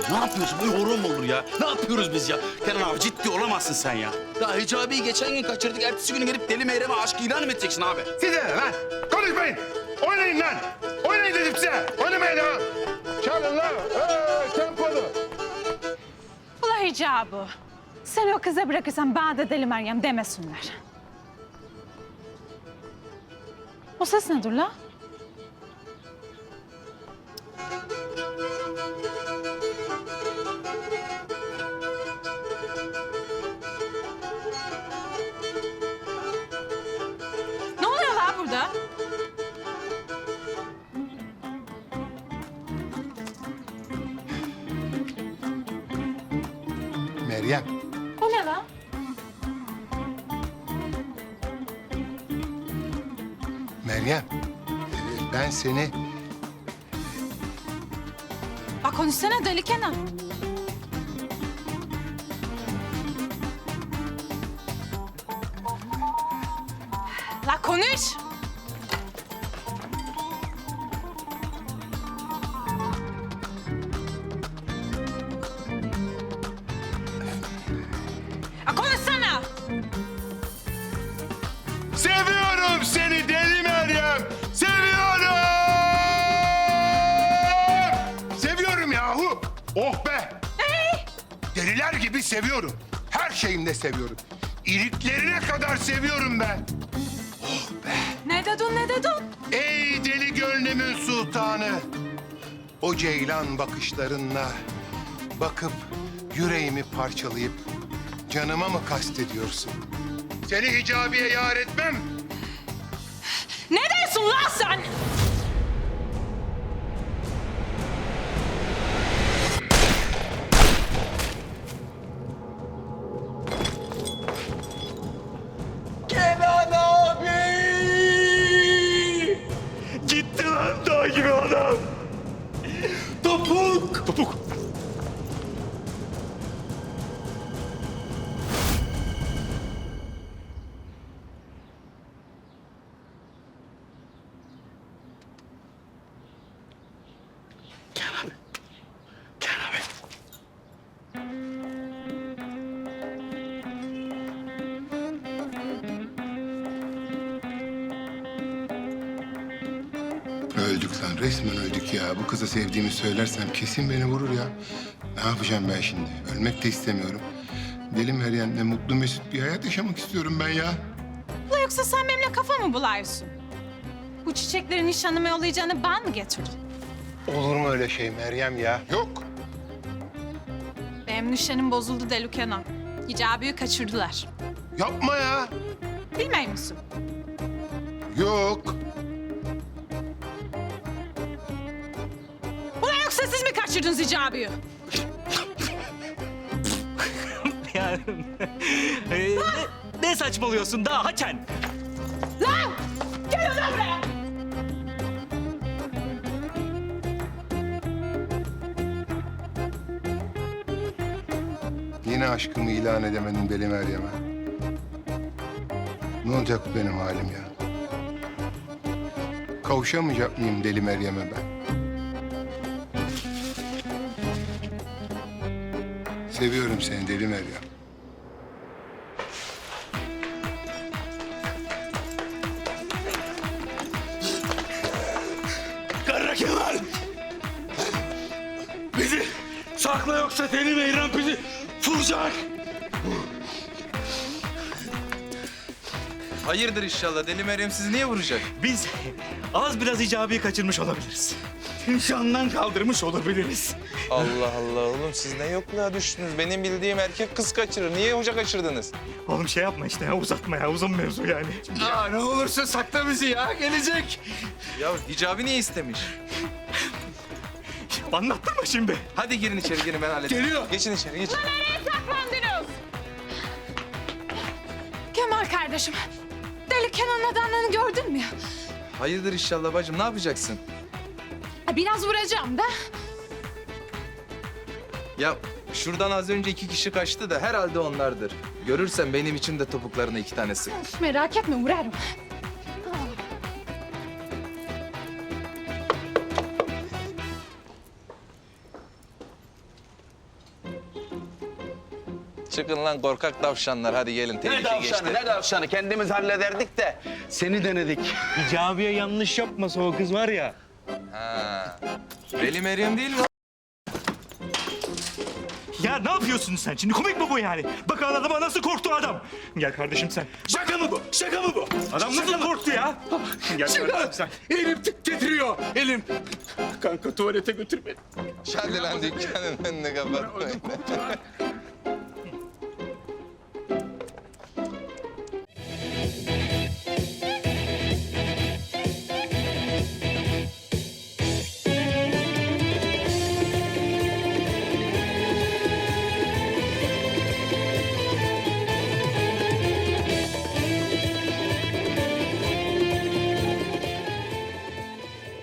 Ne yapıyorsun? Böyle horon mu olur ya? Ne yapıyoruz biz ya? Kenan abi ciddi olamazsın sen ya. Daha Hicabi'yi geçen gün kaçırdık. Ertesi günü gelip Deli Meyrem'e aşk ilan mı edeceksin abi? Size ne lan? Konuşmayın. Oynayın lan. Oynayın dedim size. Oynamayın ha. Çalın lan. Tempolu. Ula Hicabi. Sen o kıza bırakırsan bana da Deli Meryem demesinler. O ses nedir la? Ne oluyor la burada? Meryem. O ne la? Meryem. Ben seni... Bak konuşsana Deli Kenan. La konuş. La konuşsana. Seviyorum seni Deli Meryem. Seviyorum. Seviyorum yahu. Oh be. Deliler gibi seviyorum. Her şeyimle seviyorum. İliklerine kadar seviyorum ben. Ne dedin, ne dedin? Ey deli gönlümün sultanı. O ceylan bakışlarınla bakıp yüreğimi parçalayıp canıma mı kastediyorsun? Seni Hicabi'ye yar etmem. Ne diyorsun lan sen? Kenan abi! Gitti lan dağ gibi adam. Topuk! Topuk! Kenan abi. Kenan abi. Öldük lan, resmen öldük ya. Bu kıza sevdiğimi söylersem kesin beni vurur ya. Ne yapacağım ben şimdi? Ölmek de istemiyorum. Deli Meryem'le mutlu mesut bir hayat yaşamak istiyorum ben ya. Ula yoksa sen benimle kafa mı buluyorsun? Bu çiçekleri nişanlıma yollayacağını ben mi getirdim? Olur mu öyle şey Meryem ya? Yok. Benim nişanım bozuldu Deli Kenan. Hicabi'yi kaçırdılar. Yapma ya. Bilmiyor musun? Yok. Ula yoksa siz mi kaçırdınız Hicabi'yi? Yani ne saçmalıyorsun daha Haçen? Lan! Gel lan buraya! Yine aşkımı ilan edemedim Deli Meryem'e. Ne olacak benim halim ya? Kavuşamayacak mıyım Deli Meryem'e ben? Seviyorum seni Deli Meryem. Karakelar! Bizi sakla yoksa Deli Meyrem bizi vuracak. Hayırdır inşallah. Deli Meryem sizi niye vuracak? Biz az biraz Hicabi'yi kaçırmış olabiliriz. Nişandan kaldırmış olabiliriz. Allah Allah oğlum siz ne yokluğa düştünüz? Benim bildiğim erkek kız kaçırır. Niye hoca kaçırdınız? Oğlum şey yapma işte ya, uzatma ya, uzun mevzu yani. Ya ne olursun sakla bizi ya, gelecek. Ya Hicabi niye istemiş? Anlattırma şimdi. Hadi girin içeri girin ben halledeyim. Geliyor. Geçin içeri geçin. Nereye saklandınız? Kemal kardeşim, Deli Kenan'ın adamlarını gördün mü? Hayırdır inşallah bacım ne yapacaksın? Biraz vuracağım da. Ya şuradan az önce 2 kişi kaçtı da herhalde onlardır. Görürsen benim için de topuklarına 2 tane sık. Merak etme, vurarım. Çıkın lan korkak tavşanlar. Hadi gelin. Ne Tehlike tavşanı, geçti. ne tavşanı? Kendimiz hallederdik de seni denedik. Hicabiye yanlış yapmasa o kız var ya. Ha. Veli Meryem değil mi? Ya ne yapıyorsun sen şimdi? Komik mi bu yani? Bak adama nasıl korktu adam. Gel kardeşim sen. Şaka mı bu? Şaka mı bu? Adam nasıl korktu ya? Gel kardeşim sen. Elim titriyor, elim. Kanka tuvalete götür beni. Hadi lan dükkanın önünü kapatmayın.